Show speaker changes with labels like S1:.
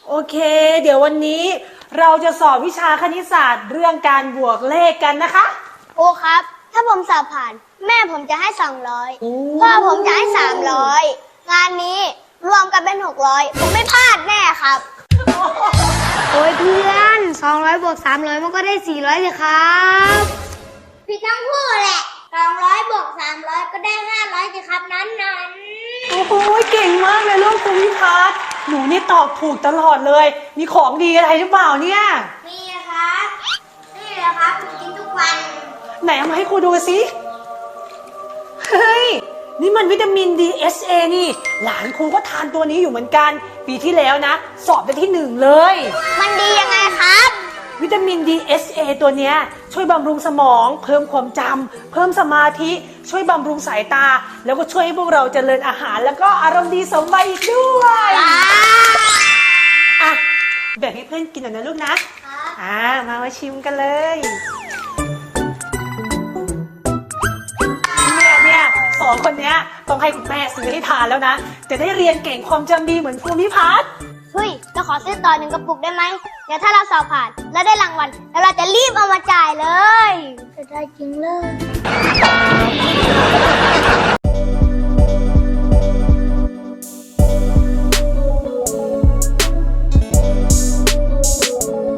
S1: โอเคเดี๋ยววันนี้เราจะสอบวิชาคณิตศาสตร์เรื่องการบวกเลขกันนะคะ
S2: ครูครับถ้าผมสอบผ่านแม่ผมจะให้200พ่อผมจะให้300งานนี้รวมกันเป็น600ผมไม่พลาดแน่ครับโอ้ยเพื่อน200บวก300มันก็ได้400สิครับผิดทั้งคู่แหละ200บวก300ก็ได้500สิครับนั้น
S1: โอ้โหเก่งมากเลยลูกภูมิพัฒน์หนูนี่ตอบถูกตลอดเลยมีของดีอะไรหรือเปล่าเนี่ย
S2: มีครับนี่แหละครับผมกินทุกวัน
S1: ไหนเอามาให้ครูดูสิเฮ้ยนี่มันวิตามิน DHA นี่หลานครูก็ทานตัวนี้อยู่เหมือนกันปีที่แล้วนะสอบได้ที่1เลย
S2: มันดียังไงครับ
S1: วิตามิน DHA ตัวเนี้ยช่วยบำรุงสมองเพิ่มความจำเพิ่มสมาธิช่วยบำรุงสายตาแล้วก็ช่วยให้พวกเราเจริญอาหารแล้วก็อารมณ์ดีสมวัยอีกด้วยอ่ะแบ่งให้เพื่อนกินหน่อยนะลูกนะมาชิมกันเลยเนี่ยสองคนเนี้ยต้องให้คุณแม่ซื้อให้ทานแล้วนะจะได้เรียนเก่งความจำดีเหมือนภูมิพัฒน์
S2: เฮ้ยเราขอซื้อต่อ1 กระปุกได้ไหมเดี๋ยวถ้าเราสอบผ่านแล้วได้รางวัลแล้วเราจะรีบเอามาจ่ายเลยจะได้จริงเลย